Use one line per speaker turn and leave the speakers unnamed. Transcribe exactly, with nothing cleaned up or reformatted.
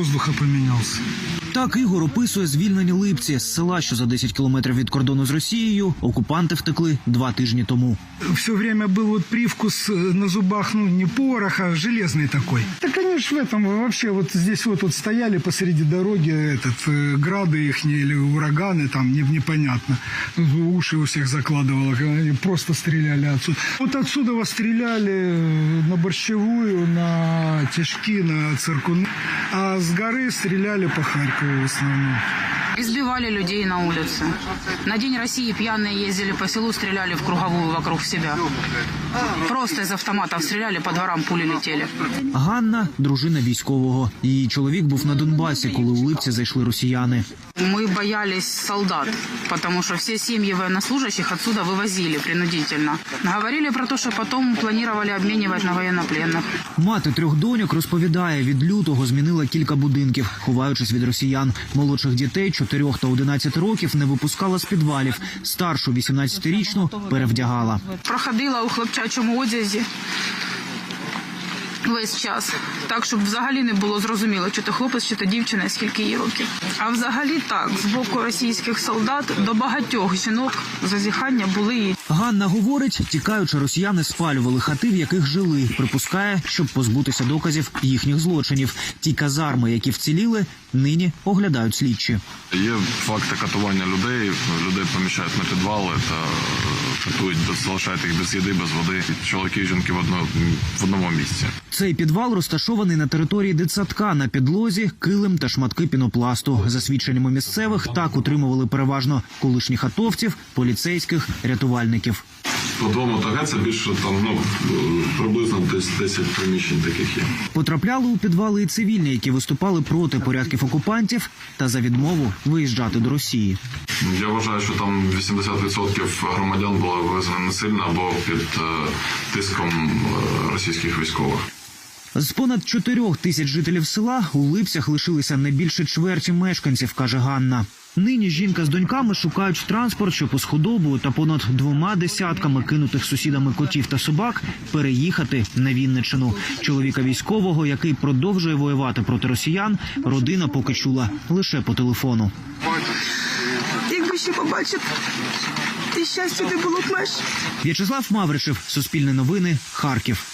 воздуха поменялся.
Так Ігор описує звільнені Липці з села, що за десять кілометрів від кордону з Росією. Окупанти втекли два тижні тому.
Все время был вот привкус на зубах, ну, не пороха, а железный такой. Да, конечно, в этом вообще вот здесь вот, вот стояли посреди дороги, этот, грады их или ураганы, там не, непонятно. Уши у всех закладывало, они просто стреляли отсюда. Вот отсюда вас стреляли на Борщевую, на Тяжки, на Циркуны, а с горы стреляли по Харькову в основном.
Избивали людей на улице. На День России пьяные ездили по селу, стреляли в круговую вокруг себя. Просто из автоматов стреляли, по дворам пули летели.
Ганна – дружина військового. Її чоловік був на Донбасі, коли у Липці зайшли росіяни.
Мы боялись солдат, потому что все семьи военнослужащих отсюда вывозили принудительно. Говорили про то, что потом планировали обменивать на военнопленных.
Мати трьох доньок розповідає, від лютого змінила кілька будинків, ховаючись від росіян. Молодших дітей чотирьох та одинадцяти років не випускала з підвалів. Старшу вісімнадцятирічну перевдягала.
Проходила у хлопчачому одязі весь час. Так, щоб взагалі не було зрозуміло, чи то хлопець, чи то дівчина, скільки їй років. А взагалі так, з боку російських солдат до багатьох жінок зазіхання були.
Ганна говорить, тікаючи, росіяни спалювали хати, в яких жили. Припускає, щоб позбутися доказів їхніх злочинів. Ті казарми, які вціліли, нині оглядають слідчі.
Є факти катування людей, людей поміщають на підвали та катують, залишають їх без їди, без води. Чоловіки і жінки в одному, в одному місці.
Цей підвал розташований на території дитсадка. На підлозі килим та шматки пінопласту. За свідченнями місцевих, так утримували переважно колишніх атовців, поліцейських, рятувальників.
По двому ТГ це більше там, ну, приблизно десь десять приміщень таких є.
Потрапляли у підвали і цивільні, які виступали проти порядків окупантів та за відмову виїжджати до Росії.
Я вважаю, що там вісімдесят відсотків громадян були вивезені насильно або під е, тиском е, російських військових.
З понад чотирьох тисяч жителів села у Липцях лишилися не більше чверті мешканців, каже Ганна. Нині жінка з доньками шукають транспорт, щоб із худобою та понад двома десятками кинутих сусідами котів та собак переїхати на Вінниччину. Чоловіка військового, який продовжує воювати проти росіян, родина поки чула лише по телефону.
Якби ще побачити, і щастя не було б меж.
В'ячеслав Мавришев, Суспільне новини, Харків.